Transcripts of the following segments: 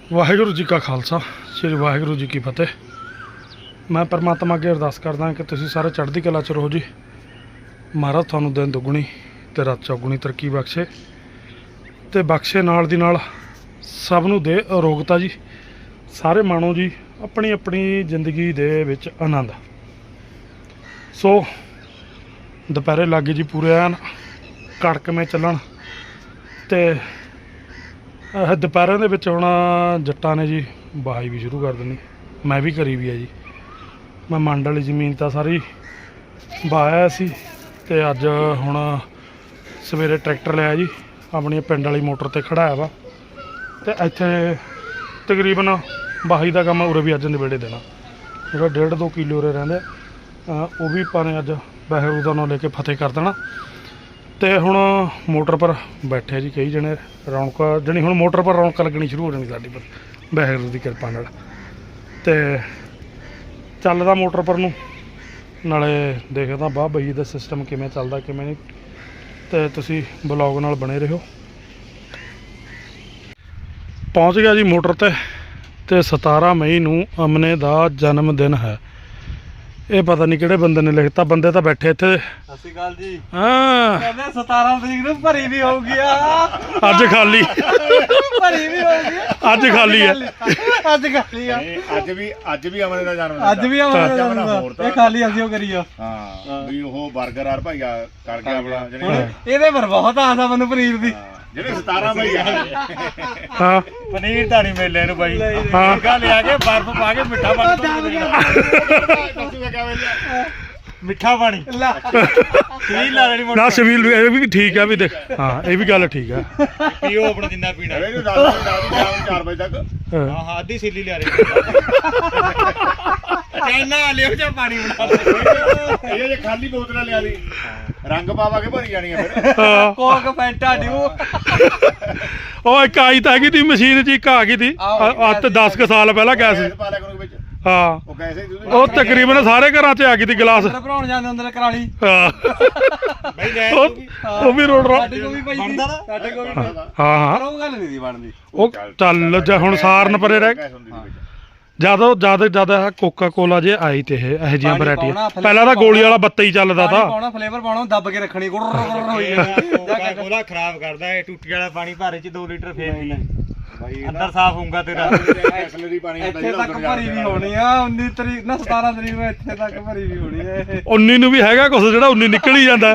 ਵਾਹਿਗੁਰੂ ਜੀ ਕਾ ਖਾਲਸਾ ਸ੍ਰੀ ਵਾਹਿਗੁਰੂ ਜੀ ਕੀ ਫਤਿਹ। ਮੈਂ परमात्मा ਅੱਗੇ ਅਰਦਾਸ ਕਰਦਾ ਕਿ ਤੁਸੀਂ ਸਾਰੇ ਚੜ੍ਹਦੀ ਕਲਾ 'ਚ ਰਹੋ ਜੀ। ਮਹਾਰਾਜ ਤੁਹਾਨੂੰ ਦਿਨ ਦੁੱਗਣੀ ਤੇ ਰਾਤ ਚੌਗੁਣੀ ਤਰੱਕੀ ਬਖਸ਼ੇ ਤੇ ਬਖਸ਼ੇ ਨਾਲ ਦੀ ਨਾਲ ਸਭ ਨੂੰ ਦੇ ਅਰੋਗਤਾ ਜੀ। ਸਾਰੇ ਮਾਣੋ ਜੀ ਆਪਣੀ ਆਪਣੀ ਜ਼ਿੰਦਗੀ ਦੇ ਵਿੱਚ ਆਨੰਦ। ਸੋ ਦੁਪਹਿਰੇ ਲੱਗੇ ਜੀ ਪੂਰੇ ਐਨ ਕੜਕਵੇਂ ਚੱਲਣ ਤੇ ਦੁਪਹਿਰਾਂ ਦੇ ਵਿੱਚ ਹੁਣ ਜੱਟਾਂ ਨੇ ਜੀ ਵਾਹੀ ਵੀ ਸ਼ੁਰੂ ਕਰ ਦੇਣੀ। ਮੈਂ ਵੀ ਕਰੀ ਵੀ ਹੈ ਜੀ। ਮੈਂ ਮੰਡ ਵਾਲੀ ਜ਼ਮੀਨ ਤਾਂ ਸਾਰੀ ਵਾਹਿਆ ਸੀ ਤੇ ਅੱਜ ਹੁਣ ਸਵੇਰੇ ਟਰੈਕਟਰ ਲਿਆ ਜੀ ਆਪਣੀ ਪਿੰਡ ਵਾਲੀ ਮੋਟਰ ਤੇ ਖੜਾਇਆ ਵਾ ਤੇ ਇੱਥੇ ਤਕਰੀਬਨ ਵਾਹੀ ਦਾ ਕੰਮ ਉਰੇ ਵੀ ਅੱਜ ਨਿਬੇੜੇ ਦੇਣਾ। ਜਿਹੜਾ 1.5-2 ਕਿੱਲੋ ਉਰੇ ਰਹਿੰਦੇ ਉਹ ਵੀ ਆਪਾਂ ਨੇ ਅੱਜ ਵਾਹਿਗੁਰੂ ਦਾ ਨਾਂ ਲੈ ਕੇ ਫਤਿਹ ਕਰ ਦੇਣਾ। ਤੇ ਹੁਣ ਮੋਟਰ ਪਰ ਬੈਠੇ ਜੀ ਕਈ ਜਣੇ ਰੌਣਕ ਜਣੀ ਹੁਣ ਮੋਟਰ ਪਰ ਰੌਣਕ ਲੱਗਣੀ ਸ਼ੁਰੂ ਹੋ ਜਾਣੀ ਸਾਡੀ ਪਰ ਵਾਹਿਗੁਰੂ ਦੀ ਕਿਰਪਾ ਨਾਲ। ਤੇ ਚੱਲਦਾ ਮੋਟਰ ਪਰ ਨੂੰ ਨਾਲੇ ਦੇਖਦਾ ਵਾਹ ਬਈ ਦਾ ਸਿਸਟਮ ਕਿਵੇਂ ਚੱਲਦਾ ਕਿਵੇਂ ਨਹੀਂ। ਤੇ ਤੁਸੀਂ ਬਲੌਗ ਨਾਲ ਬਣੇ ਰਹੋ। ਪਹੁੰਚ ਗਿਆ ਜੀ ਮੋਟਰ ਤੇ 17 ਮਈ ਨੂੰ ਅਮਨੇ ਦਾ ਜਨਮ ਦਿਨ ਹੈ। ਇਹ ਪਤਾ ਨਹੀਂ ਕਿਹੜੇ ਬੰਦੇ ਨੇ ਲਿਖਤਾ। ਬੰਦੇ ਤਾਂ ਬੈਠੇ ਇੱਥੇ। ਸਤਿ ਸ਼੍ਰੀ ਅਕਾਲ ਜੀ। ਹਾਂ ਕਹਿੰਦੇ 17 ਤਰੀਕ ਨੂੰ ਭਰੀ ਵੀ ਹੋਊਗੀ ਅੱਜ ਖਾਲੀ ਭਰੀ ਵੀ ਹੋਊਗੀ ਅੱਜ ਖਾਲੀ ਹੈ। ਅੱਜ ਖਾਲੀ ਆ। ਅੱਜ ਵੀ ਅਮਨ ਦਾ ਜਨਮ ਅੱਜ ਵੀ ਆਵਾਂਗੇ ਇਹ ਖਾਲੀ ਅਸੀਂ ਉਹ ਕਰੀਓ। ਹਾਂ ਵੀ ਉਹ 버ਗਰ ਆਰ ਭਾਈਆ ਕਰ ਗਿਆ ਆਪਣਾ ਜਿਹੜੇ ਇਹਦੇ ਪਰ ਬਹੁਤ ਆਸ ਆ ਮੈਨੂੰ ਪਨੀਰ ਦੀ। ਜਿਹੜੇ 17 ਭਾਈ ਆ ਹਾਂ ਪਨੀਰ ਤਾਂ ਨਹੀਂ ਮਿਲਿਆ ਇਹਨੂੰ ਬਾਈ। ਹਾਂ ਗਾ ਲਿਆ ਕੇ ਬਰਫ ਪਾ ਕੇ ਮਿੱਠਾ ਪਾਣੀ ਮਿੱਠਾ ਪਾਣੀ ਸ਼ਬੀਲ ਲਾ ਲੈਣੀ ਨਾ ਸ਼ਬੀਲ ਇਹ ਵੀ ਠੀਕ ਆ ਵੀ ਦੇਖ। ਹਾਂ ਇਹ ਵੀ ਗੱਲ ਠੀਕ ਆ। ਪੀਓ ਆਪਣਾ ਜਿੰਨਾ ਪੀਣਾ ਇਹਨੂੰ 4 ਵਜੇ ਤੱਕ। ਹਾਂ ਹਾਂ ਅੱਧੀ ਸੀਲੀ ਲਿਆ ਰਹੀ ਕਹਿਣਾ ਲਿਓ ਜਾਂ ਪਾਣੀ ਬਣਾ ਇਹ ਜੇ ਖਾਲੀ ਬੋਤਲਾਂ ਲਿਆ ਲਈ ਰੰਗ ਪਾਵਾ ਕੇ ਭਰੀ ਜਾਣੀਆਂ ਫਿਰ। ਕੋਕ ਫੈਂਟਾ ਡਿਊ ਉਹ ਇੱਕ ਆਈ ਤਾਂ ਹੈਗੀ ਤੀ ਮਸ਼ੀਨ 'ਚ ਇੱਕ ਆ ਗਈ ਤੀ ਅੱਜ 10 ਕੁ ਸਾਲ ਪਹਿਲਾਂ ਗੈਸ ਪਾ ਲਿਆ ਕਰੋ ਵਿੱਚ। ਹਾਂ ਉਹ ਕੈਸੇ ਉਹ ਤਕਰੀਬਨ ਸਾਰੇ ਘਰਾਂ 'ਚ ਆ ਗਈ ਤੀ ਗਲਾਸ। ਭਰਾਉਣ ਜਾਂਦੇ ਹੁੰਦੇ ਨੇ ਕਰਾਲੀ ਹਾਂ ਬਈ ਲੈ ਉਹ ਵੀ ਰੋੜ ਸਾਡੇ ਕੋਲ ਵੀ ਪਈ ਸੀ ਸਾਡੇ ਕੋਲ ਵੀ ਪਈ। ਹਾਂ ਹਾਂ ਪਰ ਉਹ ਗੱਲ ਨਹੀਂ ਸੀ ਬਣਦੀ। ਉਹ ਚੱਲ ਜਾ ਹੁਣ ਸਾਰਨ ਪਰੇ ਰਹਿ ਜਿਆਦਾ ਕੋਕਾ ਕੋਲਾ ਜੇ ਆਈ ਤੇ ਇਹ ਜਿਹੀਆਂ ਵੈਰਾਈਟੀਆਂ। ਪਹਿਲਾਂ ਤਾਂ ਗੋਲੀ ਵਾਲਾ ਬੱਤਾ ਹੀ ਚੱਲਦਾ ਤਾ। ਪਾਉਣਾ ਫਲੇਵਰ ਪਾਉਣਾ ਦੱਬ ਕੇ ਰੱਖਣੀ ਗੁੜ ਹੋਈ ਉਹਦਾ ਖਰਾਬ ਕਰਦਾ ਹੈ। ਟੁੱਟੀ ਵਾਲਾ ਪਾਣੀ ਭਾਰੇ ਚ 2 ਲੀਟਰ ਫੇਰ ਪੀ ਬਾਈ ਅੰਦਰ ਸਾਫ਼ ਹੋਊਗਾ ਤੇਰਾ। ਐਕਸਲਰੀ ਪਾਣੀ ਇੱਥੇ ਤੱਕ ਭਰੀ ਵੀ ਹੋਣੀ ਆ 19 ਤਰੀਕ ਨਾ 17 ਤਰੀਕ ਨੂੰ ਇੱਥੇ ਤੱਕ ਭਰੀ ਵੀ ਹੋਣੀ ਆ ਇਹ। 19 ਨੂੰ ਵੀ ਹੈਗਾ ਕੁਛ ਜਿਹੜਾ 19 ਨਿਕਲ ਹੀ ਜਾਂਦਾ।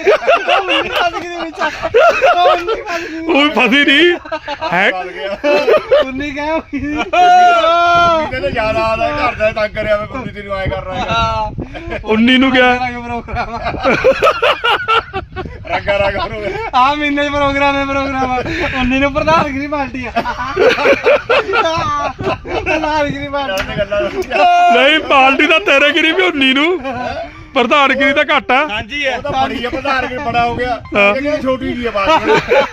ਉਹ ਵੀ ਫਸੀ ਨਹੀਂ ਹੈ। 19 ਕਹਿ ਕਹਿੰਦੇ ਯਾਦ ਆਦਾ ਘਰ ਦਾ ਤੰਗ ਕਰਿਆ ਮੈਂ ਕੁੜੀ ਤੈਨੂੰ ਆਏ ਕਰ ਰਿਹਾ 19 ਨੂੰ ਗਿਆ ਰੰਗਾ ਰੰਗ ਆ ਮਹੀਨੇ ਚ ਪ੍ਰੋਗਰਾਮ 19 ਨੂੰ ਪ੍ਰਧਾਨਗਰੀ ਪਾਰਟੀ ਆ। ਪ੍ਰਧਾਨਗਰੀ ਪਾਰਟੀ ਨਹੀਂ ਪਾਰਟੀ ਤਾਂ ਤੇਰੇ ਗਿਰੀ ਵੀ 19 ਨੂੰ ਪ੍ਰਧਾਨਗਰੀ ਤਾਂ ਘੱਟ ਆ। ਹਾਂਜੀ ਉਹ ਤਾਂ ਬੜੀ ਆ ਪ੍ਰਧਾਨਗਰੀ ਬੜਾ ਹੋ ਗਿਆ। ਇਹ ਛੋਟੀ ਜੀ ਆ ਬਾਤ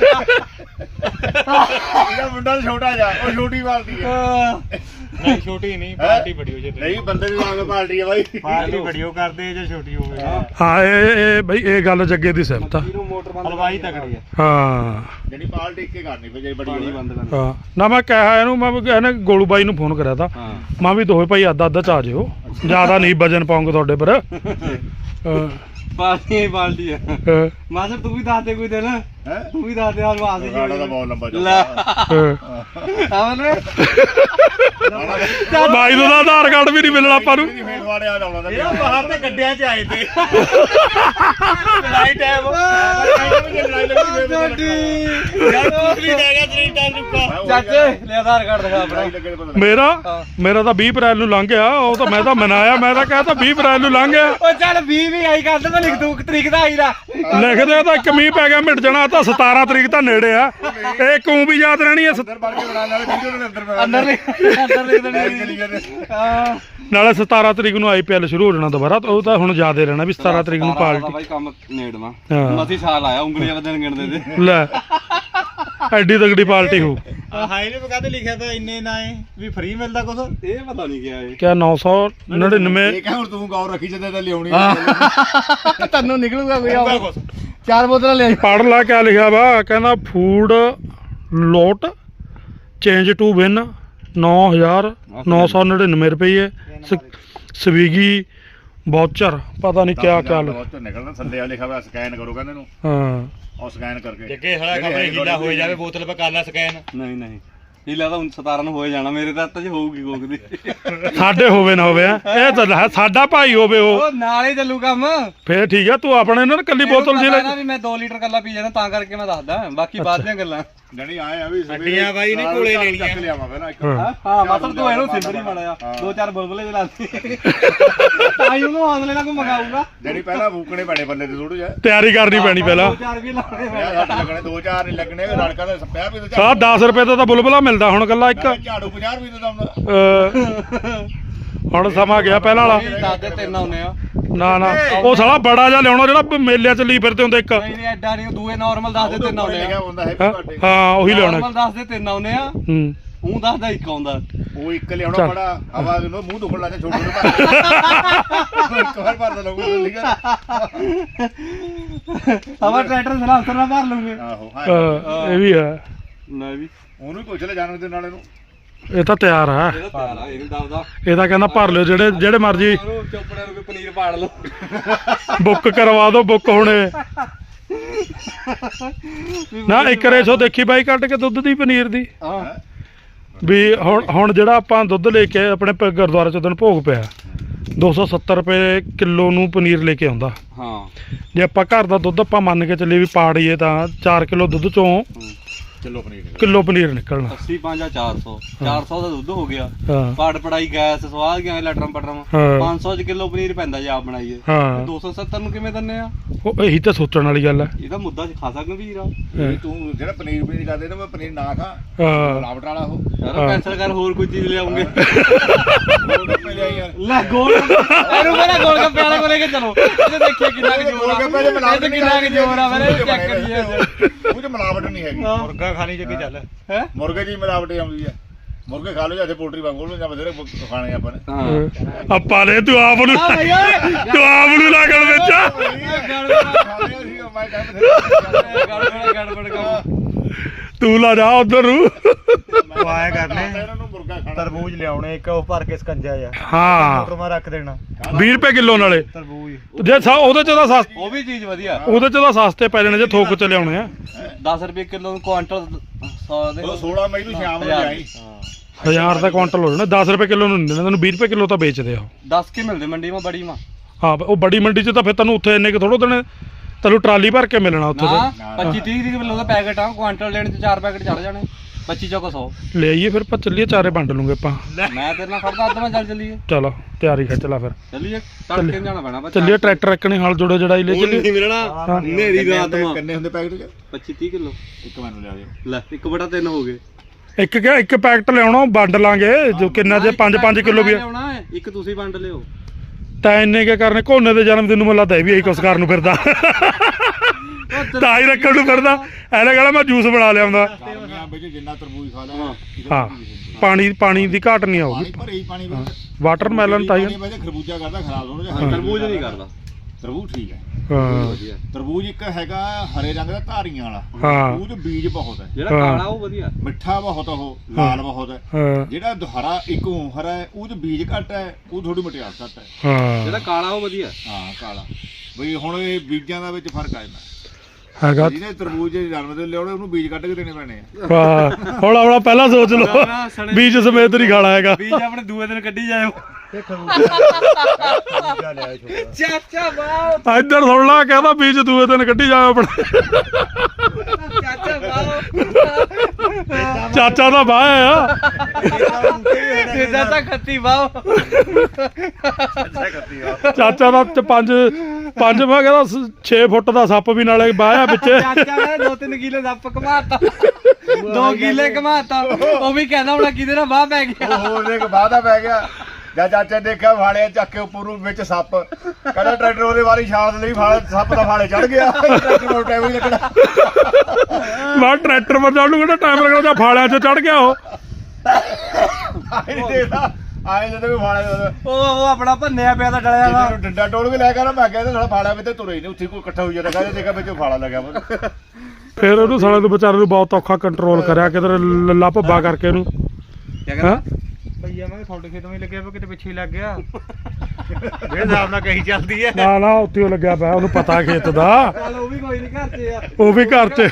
ਇਹਦਾ ਮੁੰਡਾ ਛੋਟਾ ਜਾ ਉਹ ਛੋਟੀ ਪਾਰਟੀ ਹੈ। ਨਹੀਂ ਛੋਟੀ ਨਹੀਂ ਪਾਰਟੀ ਬੜੀ ਹੋ ਜੇ ਨਹੀਂ ਬੰਦੇ ਦੀ ਵਾਂਗ ਪਾਰਟੀ ਆ ਬਾਈ। ਪਾਰਟੀ ਬੜੀ ਹੋ ਕਰਦੇ ਜੇ ਛੋਟੀ ਹੋਵੇ। ਹਾਂ ਇਹ ਬਈ ਇਹ ਗੱਲ ਜੱਗੇ ਦੀ ਸਿਫਤ ਆ। ਹਲਵਾਈ ਤਕੜੀ ਆ। ਹਾਂ ਜਿਹੜੀ ਪਾਰਟੀ ਇੱਕੇ ਕਰਨੀ ਪਈ ਜੇ ਬੜੀ ਬੰਦ ਕਰ। ਹਾਂ ਨਾ ਮੈਂ ਕਿਹਾ ਇਹਨੂੰ ਮੈਂ ਇਹਨੇ ਗੋਲੂ ਬਾਈ ਨੂੰ ਫੋਨ ਕਰਿਆ ਤਾ। ਮੈਂ ਵੀ ਦੋਵੇਂ ਭਾਈ ਅੱਧਾ ਚ ਆ ਜਿਓ ਜ਼ਿਆਦਾ ਨਹੀਂ ਵਜਨ ਪਾਉਂਗੇ ਤੁਹਾਡੇ ਪਰ। ਪਾਰਟੀ ਆ ਮਾਸਰ ਤੂੰ ਵੀ ਦੱਸ ਦੇ ਕੋਈ ਦਿਨ। ਤੂੰ ਵੀ ਦੱਸ ਦੇ ਆ ਆਸ ਜੀ ਸਾਡਾ ਤਾਂ ਬਹੁਤ ਲੰਬਾ ਲੈ ਆਵਨੇ ਬਾਈ ਦਾ ਆਧਾਰ ਕਾਰਡ ਵੀ ਨਹੀਂ ਮਿਲਣਾ ਆਪਾਂ ਨੂੰ। ਫੇਰ ਵਾੜੇ ਆ ਜਾਣਾ ਇਹ ਬਾਹਰ ਤੇ ਗੱਡਿਆਂ 'ਚ ਆਏ ਤੇ ਲੜਾਈ ਟਾਈਮ ਚਾਚੇ ਲੈ ਆਧਾਰ ਕਾਰਡ ਦਿਖਾ ਆਪਣਾ। ਮੇਰਾ ਤਾਂ 20 ਅਪ੍ਰੈਲ ਨੂੰ ਲੰਘ ਗਿਆ। ਉਹ ਤਾਂ ਮੈਂ ਤਾਂ ਮਨਾਇਆ ਮੈਂ ਤਾਂ ਕਹਿਤਾ 20 ਅਪ੍ਰੈਲ ਨੂੰ ਲੰਘ ਗਿਆ। ਉਹ ਚੱਲ 20 ਵੀ ਆਈ ਕਰ ਮੈਂ ਲਿਖ ਦੂੰ ਤਰੀਕ ਦਾ ਆਈ ਦਾ ਲਿਖਦੇ ਤਾਂ ਇੱਕ ਮੀਂਹ ਪੈ ਗਿਆ ਮਿਟ ਜਾਣਾ। ਤਾਂ 17 ਤਰੀਕ ਤਾਂ ਨੇੜੇ ਆ। ਇਹ ਕਿਉਂ ਵੀ ਯਾਦ ਰਹਿਣੀ ਆ। ਅੰਦਰ ਲਿਖ ਦੇਣੀ ਹਾਂ ਨਾਲੇ 17 ਤਰੀਕ ਨੂੰ IPL ਸ਼ੁਰੂ ਹੋ ਜਾਣਾ ਦੁਬਾਰਾ। ਉਹ ਤਾਂ ਹੁਣ ਯਾਦ ਹੀ ਰਹਿਣਾ ਵੀ 17 ਤਰੀਕ ਨੂੰ ਪਾਰਟੀ। ਬਾਈ ਕੰਮ ਨੇੜਵਾ ਹਾਂ ਮਸੀ ਸਾਲ ਆਇਆ ਉਂਗਲੀਆਂ ਵਧਣ ਗਿਣਦੇ ਤੇ ਲੈ ਐਡੀ ਤਗੜੀ ਪਾਰਟੀ ਹੋ। ਹਾਈ ਨੇ ਕਾਹਦੇ ਲਿਖਿਆ ਤਾਂ ਇੰਨੇ ਨਾ ਵੀ ਫ੍ਰੀ ਮਿਲਦਾ ਕੁਛ। ਇਹ ਪਤਾ ਨਹੀਂ ਕਿਹਾ ਇਹ ਕਿਆ 999 ਇਹ ਕਹ ਹੁਣ ਤੂੰ ਗੌਰ ਰੱਖੀ ਜਦੋਂ ਤਾਂ ਲਿਆਉਣੀ ਤੈਨੂੰ ਨਿਕਲੂਗਾ ਕੋਈ ਆਊਗਾ 4 ਬੋਤਲਾਂ ਲੈ ਪੜ੍ਹ ਲਾ ਕਿਆ ਲਿਖਿਆ ਵਾ। ਕਹਿੰਦਾ food lot change to win 9,999 ਰੁਪਏ ਸਵੀਗੀ ਵਾਊਚਰ ਪਤਾ ਨਹੀਂ ਕਿਆ ਕਿਆ ਵਾਊਚਰ ਨਿਕਲਣਾ ਥੱਲੇ ਆ ਲਿਖਿਆ ਹੋਇਆ ਸਕੈਨ ਕਰੋ ਕਹਿੰਦੇ ਨੂੰ ਹਾਂ ਉਹ ਸਕੈਨ ਕਰਕੇ ਜੱਗੇ ਸਾਲਾ ਖਬਰੇ ਹੀਲਾ ਹੋਏ ਜਾਵੇ ਬੋਤਲ ਪਾ ਕਰ ਲੈ ਸਕੈਨ ਨਹੀਂ ਨਹੀਂ ਹੀਲਾ ਤਾਂ 17 ਨੂੰ ਹੋਏ ਜਾਣਾ ਮੇਰੇ ਤਾਂ ਹੱਥ 'ਚ ਹੋਊਗੀ ਕੋਕ ਦੀ ਸਾਡੇ ਹੋਵੇ ਨਾ ਹੋਵੇ ਇਹ ਤਾਂ ਹੈ, ਸਾਡਾ ਭਾਈ ਹੋਵੇ ਉਹ ਨਾਲ ਹੀ ਚੱਲੂ ਕੰਮ ਫੇਰ ਠੀਕ ਆ ਤੂੰ ਆਪਣੇ ਇਹਨਾਂ ਨੂੰ ਕੱਲੀ ਬੋਤਲ ਜੀ ਲੈ ਵੀ ਮੈਂ 2 ਲੀਟਰ ਕੱਲਾ ਪੀ ਜਾਣਾ ਤਾਂ ਕਰਕੇ ਮੈਂ ਦੱਸਦਾ ਬਾਕੀ ਬਾਅਦ ਦੀਆਂ ਗੱਲਾਂ ਜਣੀ ਆਏ ਆ ਵੀ ਅੱਡੀਆਂ ਬਾਈ ਨੇ ਕੋਲੇ ਲੈਣੀਆਂ। ਚੱਕ ਲਿਆਵਾਂ ਪਹਿਲਾਂ ਇੱਕ ਹਾਂ ਮਤਲਬ ਤੂੰ ਇਹਨੂੰ ਸਿੰਦਰੀ ਮਾੜਿਆ 2-4 ਬੁਲਬੁਲੇ ਜਲਾਤੀ ਤਾਈ ਉਹਨੂੰ ਹੌਸਲੇ ਨਾਲ ਕੋ ਮਗਾਊਗਾ ਜਣੀ ਪਹਿਲਾਂ ਫੂਕਣੇ ਪੈਣੇ ਬੱਲੇ ਤੇ ਥੋੜੂ ਜਿਹਾ ਤਿਆਰੀ ਕਰਨੀ ਪੈਣੀ ਪਹਿਲਾਂ 2-4 ਵੀ ਲਾਉਣੇ ਲੱਗਣੇ 2-4 ਨਹੀਂ ਲੱਗਣੇ ਰੜਕਾ ਦਾ ਸੱਪਿਆ ਵੀ ਸਾਲਾ 10 ਰੁਪਏ ਦਾ ਤਾਂ ਬੁਲਬੁਲਾ ਮਿਲਦਾ ਹੁਣ ਕੱਲਾ ਇੱਕ ਝਾੜੂ 50 ਰੁਪਏ ਦਾ ਆਉਂਦਾ ਹੁਣ ਸਮਾਂ ਗਿਆ ਪਹਿਲਾਂ ਵਾਲਾ ਦਾਦੇ ਤਿੰਨ ਆਉਨੇ ਆ ਨਾ ਨਾ ਉਹ ਸਾਲਾ ਬੜਾ ਜਿਹਾ ਲਿਆਉਣਾ ਜਿਹੜਾ ਮੇਲਿਆਂ ਚ ਲਈ ਫਿਰਦੇ ਹੁੰਦੇ ਇੱਕ ਨਹੀਂ ਨਹੀਂ ਐਡਾ ਨਹੀਂ ਦੂਏ ਨਾਰਮਲ ਦੱਸਦੇ ਤਿੰਨ ਆਉਨੇ ਲਿਖਿਆ ਆ ਹੁੰਦਾ ਹੈਪੀ ਬਰਥਡੇ ਹਾਂ ਉਹੀ ਲਿਆਉਣਾ ਨਾਰਮਲ ਦੱਸਦੇ ਤਿੰਨ ਆਉਨੇ ਆ ਹੂੰ ਉਹ ਦੱਸਦਾ ਇੱਕ ਆਉਂਦਾ ਉਹ ਇੱਕ ਲਿਆਉਣਾ ਬੜਾ ਆਵਾਜ਼ ਨੂੰ ਮੂੰਹ ਦੁਖਣ ਲੱਗਾ ਛੋਟੂ ਨੂੰ ਭਰ ਇੱਕ ਵਾਰ ਭਰਦਾ ਲੋਗੋ ਲਿਖਿਆ ਹਵਾ ਟਰੈਕਟਰ ਸਲਾਂਸਰ ਨਾਲ ਭਰ ਲੂਗੇ ਆਹੋ ਹਾਂ ਇਹ ਵੀ ਹੈ ਨਾ ਵੀ ਉਹਨੂੰ ਹੀ ਪੁੱਛ ਲੈ ਜਨਮ ਦਿਨ ਵਾਲੇ ਨੂੰ ਇਹ ਤਾਂ ਤਿਆਰ ਆ ਇਹਦਾ ਪਿਆਰ ਆ ਇਹ ਦੱਸਦਾ ਇਹ ਤਾਂ ਕਹਿੰਦਾ ਭਰ ਲਿਓ ਜਿਹੜੇ ਮਰਜੀ ਉਹਨੂੰ ਚੋਪੜੇ ਨੂੰ ਕੋਈ ਪਨੀਰ ਪਾੜ ਲਓ ਬੁੱਕ ਕਰਵਾ ਦਿਓ ਬੁੱਕ ਹੁਣੇ ਨਾ ਇੱਕ ਰੇਸ਼ੋ ਦੇਖੀ ਬਾਈ ਕੱਢ ਕੇ ਦੁੱਧ ਦੀ ਪਨੀਰ ਦੀ ਹਾਂ ਵੀ ਹੁਣ ਜਿਹੜਾ ਆਪਾਂ ਦੁੱਧ ਲੈ ਕੇ ਆਪਣੇ ਗੁਰਦੁਆਰੇ ਚ ਉਦੋਂ ਭੋਗ ਪਿਆ 270 ਰੁਪਏ ਕਿਲੋ ਨੂੰ ਪਨੀਰ ਲੈ ਕੇ ਆਉਂਦਾ ਹਾਂ ਜੇ ਆਪਾਂ ਘਰ ਦਾ ਦੁੱਧ ਆਪਾਂ ਮੰਨ ਕੇ ਚੱਲੀਏ ਵੀ ਪਾੜੀਏ ਤਾਂ 4 ਕਿਲੋ ਦੁੱਧ ਚੋਂ ਕਿਲੋ ਪਨੀਰ ਨਿਕਲਣਾ 80 5 400 400 ਦਾ ਦੁੱਧ ਹੋ ਗਿਆ ਹਾਂ ਪਾੜ ਪੜਾਈ ਗੈਸ ਸਵਾਦ ਗਿਆ ਲਟਰਮ ਪਟਰਮ ਹਾਂ 500 ਚ ਕਿਲੋ ਪਨੀਰ ਪੈਂਦਾ ਜੇ ਆਪ ਬਣਾਈਏ ਹਾਂ 270 ਨੂੰ ਕਿਵੇਂ ਦਿੰਨੇ ਆ ਉਹ ਇਹੀ ਤਾਂ ਸੋਚਣ ਵਾਲੀ ਗੱਲ ਹੈ ਇਹਦਾ ਮੁੱਦਾ ਖਾਸਾ ਗੰਭੀਰ ਆ ਤੂੰ ਜਿਹੜਾ ਪਨੀਰ ਕਰਦੇ ਨਾ ਮੈਂ ਪਨੀਰ ਨਾ ਖਾ ਹਾਂ ਮਿਲਾਵਟ ਵਾਲਾ ਉਹ ਯਾਰ ਕੈਂਸਲ ਕਰ ਹੋਰ ਕੋਈ ਚੀਜ਼ ਲਿਆਉਂਗੇ ਗੋਲਗੱਪੇ ਲਿਆਈ ਯਾਰ ਲੈ ਗੋਲ ਇਹਨੂੰ ਮੇਰਾ ਗੋਲ ਗੱਪੇ ਵਾਲੇ ਕੋਲ ਲੈ ਕੇ ਚਲੋ ਇਹ ਦੇਖੀਏ ਕਿੰਨਾ ਕੁ ਜ਼ੋਰ ਆ ਗੋਲਗੱਪੇ 'ਚ ਮਿਲਾਵਟ ਇਹ ਕਿੰਨਾ ਕੁ ਜ਼ੋਰ ਆ ਮੇਰੇ ਚੈੱਕ ਕਰੀਏ ਉਹ 'ਚ ਮਿਲਾਵਟ ਨਹੀਂ ਹੈਗੀ ਮੁਰਗਾ ਖਾਣੀ ਜੱਗੀ ਚੱਲ ਹੈ ਮੁਰਗੇ ਦੀ ਮਿਲਾਵਟ ਆਉਂਦੀ ਹੈ ਮੁਰਗੇ ਖਾ ਲਓ ਜਾਂ ਪੋਲਟਰੀ ਵਾਂਗੂ ਜਾਂ ਬਥੇਰੇ ਖਾਣੇ ਆਪਾਂ ਨੇ ਹਾਂ ਆਪਾਂ ਨੇ ਤੂੰ ਆਪ ਨੂੰ ਲੱਗਣ ਵਿੱਚ ਤੂੰ ਲਾ ਜਾ ਉਧਰ ਨੂੰ ਉਹ ਆਇਆ ਕਰਨੇ ਇਹਨਾਂ ਨੂੰ ਮੁਰਗਾ ਖਾਣਾ ਤਰਬੂਜ ਲਿਆਉਣੇ ਇੱਕ ਉਹ ਭਰ ਕੇ ਸਕੰਜਾ ਆ ਹਾਂ ਮੋਟਰ ਮਾ ਰੱਖ ਦੇਣਾ 20 ਰੁਪਏ ਕਿਲੋ ਨਾਲੇ ਤਰਬੂਜ ਜੇ ਉਹਦੇ ਚ ਤਾਂ ਸਸਤੇ ਉਹ ਵੀ ਚੀਜ਼ ਵਧੀਆ ਉਹਦੇ ਚ ਤਾਂ ਸਸਤੇ ਪੈ ਜਾਣੇ ਜੇ ਥੋਕ ਚ ਲਿਆਉਣੇ ਆ 10 ਰੁਪਏ ਕਿਲੋ ਨੂੰ ਕੁਆਂਟਲ 100 ਦੇ ਉਹ 16 ਮਈ ਨੂੰ ਸ਼ਾਮ ਨੂੰ ਲਿਆਈ 1000 ਦਾ ਕੁਆਂਟਲ ਹੋ ਜਾਣਾ 10 ਰੁਪਏ ਕਿਲੋ ਨੂੰ ਨਹੀਂ ਦੇਣਾ ਤੈਨੂੰ 20 ਰੁਪਏ ਕਿਲੋ ਤਾਂ ਵੇਚਦੇ ਆ 10 ਕੇ ਮਿਲਦੇ ਮੰਡੀ ਮਾ ਬੜੀ ਮਾ ਹਾਂ ਉਹ ਬੜੀ ਮੰਡੀ ਚ ਤਾਂ ਫਿਰ ਤੈਨੂੰ ਉੱਥੇ ਇੰਨੇ ਕਿ ਥੋੜੋ ਦੇਣੇ ਤੈਨੂੰ ਟਰਾਲੀ ਭਰ ਕੇ ਮਿਲਣਾ ਉੱਥੇ ਨਾ ਤੇ 25 30 ਕਿਲੋ ਦਾ ਪੈਕਟ ਆ ਕੁਆਂਟਲ ਲੈਣ ਤੇ 4 ਪੈਕਟ ਚੜ ਜਾਣੇ 25 ਚੌਕ 100 ਲੈ ਆਈਏ ਫਿਰ ਆਪਾਂ ਚੱਲੀਏ ਚਾਰੇ ਵੰਡ ਲੂਗੇ ਆਪਾਂ ਮੈਂ ਤੇਰੇ ਨਾਲ ਖੜਦਾ ਅੱਧ ਮੈਂ ਚੱਲ ਚੱਲੀਏ ਚਲੋ ਤਿਆਰੀ ਖਿੱਚ ਲਾ ਫਿਰ ਚੱਲੀਏ ਤੜਕੇ ਜਾਣਾ ਪੈਣਾ ਬੱਚਾ ਚੱਲੀਏ ਟਰੈਕਟਰ ਰੱਖਣੇ ਹਲ ਜੋੜੇ ਜੜਾਈ ਲੈ ਚੱਲੀਏ ਨਹੀਂ ਮਿਲਣਾ ਨੇਰੀ ਰਾਤ ਮਾ ਕਿੰਨੇ ਹੁੰਦੇ ਪੈਕਟ 'ਚ 25 30 ਕਿਲੋ ਇੱਕ ਮੈਨੂੰ ਲਿਆ ਦਿਓ ਲੈ 1/3 ਹੋ ਗਏ ਇੱਕ ਪੈਕਟ ਲਿਆਉਣਾ ਵੰਡ ਲਾਂਗੇ ਜੋ ਕਿੰਨਾ ਜੇ 5 ਕਿਲੋ ਵੀ ਲਿਆਉਣਾ ਹੈ ਇੱਕ ਤੁਸੀਂ ਵੰਡ ਲਿਓ ਤਾਂ ਇੰਨੇ ਕੇ ਕਰਨੇ ਕੋਨੇ ਦੇ ਜਨਮ ਦਿਨ ਨੂੰ ਮੈਨੂੰ ਲੱਗਦਾ ਇਹ ਵੀ ਇਹੀ ਕੁਛ ਕਰਨ ਨੂੰ ਫਿਰਦਾ ਤਾਂ ਹੀ ਰੱਖਣ ਨੂੰ ਫਿਰਦਾ ਐਲੇ ਕਹਿੰਦਾ ਮੈਂ ਜੂਸ ਬਣਾ ਲਿਆਉਂਦਾ ਗਰਮੀਆਂ ਵਿੱਚ ਜਿੰਨਾ ਤਰਬੂਜ ਖਾ ਲਿਆ ਹਾਂ ਪਾਣੀ ਦੀ ਘਾਟ ਨਹੀਂ ਆਊਗੀ ਭਰੇ ਹੀ ਪਾਣੀ ਵਿੱਚ ਵਾਟਰਮੈਲਨ ਤਾਂ ਹੀ ਵਜੇ ਖਰਬੂਜਾ ਕਰਦਾ ਖਰਾਬ ਹੋਣਾ ਤਰਬੂਜ ਨਹੀਂ ਕਰਦਾ ਤਰਬੂਜ ਠੀਕ ਹੈ ਹਾਂ ਤਰਬੂਜ ਇੱਕ ਹੈਗਾ ਹਰੇ ਰੰਗ ਦਾ ਧਾਰੀਆਂ ਵਾਲਾ ਹਾਂ ਉਹ 'ਚ ਬੀਜ ਬਹੁਤ ਹੈ ਜਿਹੜਾ ਕਾਲਾ ਉਹ ਵਧੀਆ ਮਿੱਠਾ ਬਹੁਤ ਉਹ ਲਾਲ ਬਹੁਤ ਹੈ ਹਾਂ ਜਿਹੜਾ ਹਰਾ ਇੱਕ ਹਰਾ ਹੈ ਉਹ 'ਚ ਬੀਜ ਘੱਟ ਹੈ ਉਹ ਥੋੜੀ ਮਟਿਆਰ ਘੱਟ ਹੈ ਹਾਂ ਜਿਹੜਾ ਕਾਲਾ ਉਹ ਵਧੀਆ ਹਾਂ ਕਾਲਾ ਬਈ ਹੁਣ ਇਹ ਬੀਜਾਂ ਦਾ ਵਿੱਚ ਫਰਕ ਆ ਜਾਂਦਾ ਹੈਗਾ ਜਿਹਨੇ ਤਰਬੂਜ ਦੇ ਜਨਮ ਦਿਨ ਲਿਆਉਣੇ ਉਹਨੂੰ ਬੀਜ ਕੱਢ ਕੇ ਦੇਣੇ ਪੈਣੇ ਆ ਵਾਹ ਹੌਲਾ ਪਹਿਲਾਂ ਸੋਚ ਲਓ ਬੀਜ ਸਮੇਤ ਨਹੀਂ ਖਾਣਾ ਹੈਗਾ ਬੀਜ ਆਪਣੇ ਦੂਏ ਦਿਨ ਕੱਢੀ ਜਾਇਓ ਚਾਚਾ ਬਾਓ ਇੱਧਰ ਸੁਣ ਲਾ ਕਹਿੰਦਾ ਬੀਜ ਦੂਏ ਦਿਨ ਕੱਢੀ ਜਾਓ ਆਪਣੇ ਚਾਚਾ ਬਾਓ ਚਾਚਾ ਦਾ ਬਾਹ ਆ ਤੇਜਾ ਤਾਂ ਖੱਤੀ ਬਾਓ ਚਾਚਾ ਦਾ 5 ਮੈਂ ਕਹਿੰਦਾ 6 ਫੁੱਟ ਦਾ ਸੱਪ ਵੀ ਨਾਲੇ ਬਾਹ ਆ ਵਿੱਚ ਚਾਚਾ ਨੇ 2-3 ਕਿਲੇ ਦੱਪ ਘਮਾਤਾ 2 ਕਿਲੇ ਘਮਾਤਾ ਉਹ ਵੀ ਕਹਿੰਦਾ ਹੁਣ ਕਿਹਦੇ ਨਾਲ ਬਾਹ ਪੈ ਗਿਆ ਉਹ ਹੋਰ ਇੱਕ ਵਾਦਾ ਪੈ ਗਿਆ ਜਾਂ ਚਾਚਾ ਦੇਖਿਆ ਫਾੜਿਆ ਚੱਕ ਕੇ ਉੱਪਰ ਨੂੰ ਵਿੱਚ ਸੱਪ ਕਹਿੰਦਾ ਟਰੈਕਟਰ ਉਹਦੇ ਵਾਰੀ ਛਾਲ ਦੇ ਲਈ ਫਾੜੇ ਸੱਪ ਦਾ ਫਾੜੇ ਚੜ ਗਿਆ ਟਰੈਕਟਰ ਨੂੰ ਟਾਈਮ ਹੀ ਲੱਗਣਾ ਮੈਂ ਟਰੈਕਟਰ ਪਰ ਜਾਣ ਨੂੰ ਕਿਹੜਾ ਟਾਈਮ ਲੱਗਣਾ ਜਾਂ ਫਾਲਿਆਂ 'ਚ ਚੜ ਗਿਆ ਉਹ ਆਏ ਦੇਖਦਾ ਆਏ ਜਦੋਂ ਵੀ ਫਾੜੇ ਉਹ ਆਪਣਾ ਭੰਨਿਆ ਪਿਆ ਤਾਂ ਡਲਿਆ ਵਾ ਇਹਨੂੰ ਡੰਡਾ ਟੋਲ ਕੇ ਲੈ ਕੇ ਨਾ ਮੈਂ ਕਹਿੰਦਾ ਸਾਲਾ ਫਾੜਾ ਵਿੱਚ ਤੁਰੇ ਹੀ ਨਹੀਂ ਉੱਥੇ ਕੋਈ ਇਕੱਠਾ ਹੋਈ ਜਾਂਦਾ ਕਹਿੰਦਾ ਦੇਖਾ ਵਿੱਚ ਫਾੜਾ ਲੱਗਿਆ ਫਿਰ ਉਹਨੂੰ ਸਾਲੇ ਨੂੰ ਵਿਚਾਰੇ ਨੂੰ ਬਹੁਤ ਔਖਾ ਕੰਟਰੋਲ ਕਰਿਆ ਕਿਧਰ ਲੱਲਾ ਭੱਬਾ ਕਰਕੇ ਇਹਨੂੰ ਕਿਆ ਕਹਿੰਦਾ ਭਈਆ ਮੈਂ ਤੁਹਾਡੇ ਖੇਤ ਵਿੱਚ ਲੱਗਿਆ ਪਿਆ ਕਿਤੇ ਪਿੱਛੇ ਹੀ ਲੱਗ ਗਿਆ ਜਿਹੜੇ ਹਿਸਾਬ ਨਾਲ ਕਹੀ ਚੱਲਦੀ ਹੈ ਨਾ ਉੱਥੇ ਉਹ ਲੱਗਿਆ ਪਿਆ ਉਹਨੂੰ ਪਤਾ ਖੇਤ ਦਾ ਚੱਲ ਉਹ ਵੀ ਕੋਈ ਨਹੀਂ ਘਰ 'ਚ ਆ ਉਹ ਵੀ ਘਰ 'ਚ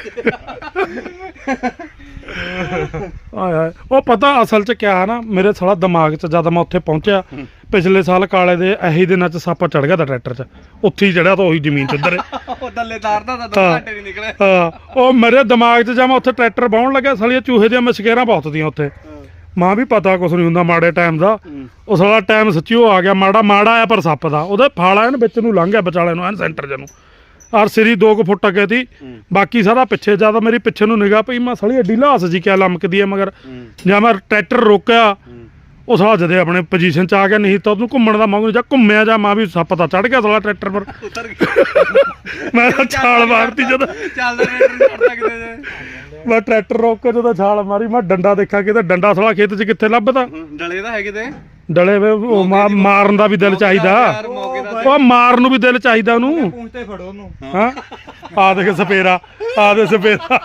ਆਏ ਹਾਏ ਉਹ ਪਤਾ ਅਸਲ 'ਚ ਕਿਆ ਹੈ ਨਾ ਮੇਰੇ ਸਾਲਾ ਦਿਮਾਗ 'ਚ ਜਦ ਮੈਂ ਉੱਥੇ ਪਹੁੰਚਿਆ ਪਿਛਲੇ ਸਾਲ ਕਾਲੇ ਦੇ ਇਹੀ ਦਿਨਾਂ 'ਚ ਸੱਪ ਚੜ ਗਿਆ ਤਾਂ ਟਰੈਕਟਰ 'ਚ ਉੱਥੇ ਹੀ ਚੜਿਆ ਤਾਂ ਉਹੀ ਜ਼ਮੀਨ 'ਚ ਉੱਧਰ ਉਹ ਥੱਲੇ ਤਾਰਦਾ ਤਾਂ 2 ਹਾਂ। ਘੰਟੇ ਨਹੀਂ ਨਿਕਲੇ ਹਾਂ ਉਹ ਮੇਰੇ ਦਿਮਾਗ 'ਚ ਜਦ ਮੈਂ ਉੱਥੇ ਟਰੈਕਟਰ ਵਾਹੁਣ ਲੱਗਿਆ ਸਾਲੀਆਂ ਚੂਹੇ ਦੀਆਂ ਮਸ਼ਕੇਰਾਂ ਬਹੁਤ ਦੀਆਂ ਉੱਥੇ ਮਾਂ ਵੀ ਪਤਾ ਕੁਛ ਨਹੀਂ ਹੁੰਦਾ ਮਾੜੇ ਟਾਈਮ ਦਾ ਉਹ ਸਾਲਾ ਟਾਈਮ ਸੱਚੀ ਉਹ ਆ ਗਿਆ ਮਾੜਾ ਆਇਆ ਪਰ ਸੱਪ ਦਾ ਉਹਦੇ ਫਾਲਾ ਇਹਨ ਵਿੱਚ ਨੂੰ ਲੰਘ ਗਿਆ ਵਿਚਾਲੇ ਨੂੰ ਐਨ ਸੈਂਟਰ ਚ ਨੂੰ ਔਰ ਸਿਰੀ 2 ਫੁੱਟ ਅੱਗੇ ਤੀ ਬਾਕੀ ਸਾਰਾ ਪਿੱਛੇ ਜਿਆਦਾ ਮੇਰੀ ਪਿੱਛੇ ਨੂੰ ਨਿਗਾਹ ਪਈ ਮੈਂ ਸਾਲੀ ਏਡੀ ਲਾਸ ਜੀ ਕਿਆ ਲਮਕਦੀ ਹੈ ਮਗਰ ਜਾਂ ਮੈਂ ਟਰੈਕਟਰ ਰੋਕਿਆ ਉਹ ਸਾਲਾ ਜਦੇ ਆਪਣੇ ਪੋਜੀਸ਼ਨ ਚ ਆ ਗਿਆ ਨਹੀਂ ਤਾਂ ਉਹਨੂੰ ਘੁੰਮਣ ਦਾ ਮੰਗੂ ਜਾਂ ਘੁੰਮਿਆ ਜਾਂ ਮਾਂ ਵੀ ਸੱਪ ਤਾਂ ਚੜ ਗਿਆ ਸਾਲਾ ਟਰੈਕਟਰ ਪਰ ਉਤਰ ਗਿਆ ਮੈਂ ਤਾਂ ਛਾਲ ਮਾਰਤੀ ਜਦੋਂ ਚੱਲਦਾ ਟਰੈਕਟਰ ਨਹੀਂ ਛੱਡਦਾ ਕਿਤੇ ਜੇ ਮੈਂ ਟਰੈਕਟਰ ਰੋਕ ਕੇ ਜਦੋਂ ਛਾਲ ਮਾਰੀ ਮੈਂ ਡੰਡਾ ਦੇਖਿਆ ਕਿਤੇ ਡੰਡਾ ਸਾਲਾ ਖੇਤ 'ਚ ਕਿੱਥੇ ਲੱਭਦਾ ਡਲੇ ਤਾਂ ਹੈ ਕਿਤੇ ਡਲੇ ਵੇ ਉਹ ਮਾਰਨ ਦਾ ਵੀ ਦਿਲ ਚਾਹੀਦਾ ਯਾਰ ਮੌਕੇ ਦਾ ਉਹ ਮਾਰਨ ਨੂੰ ਵੀ ਦਿਲ ਚਾਹੀਦਾ ਉਹਨੂੰ ਪੂੰਛਤੇ ਫੜੋ ਉਹਨੂੰ ਹਾਂ ਆ ਦੇਖ ਸਪੇਰਾ ਆ ਦੇ ਸਪੇਰਾ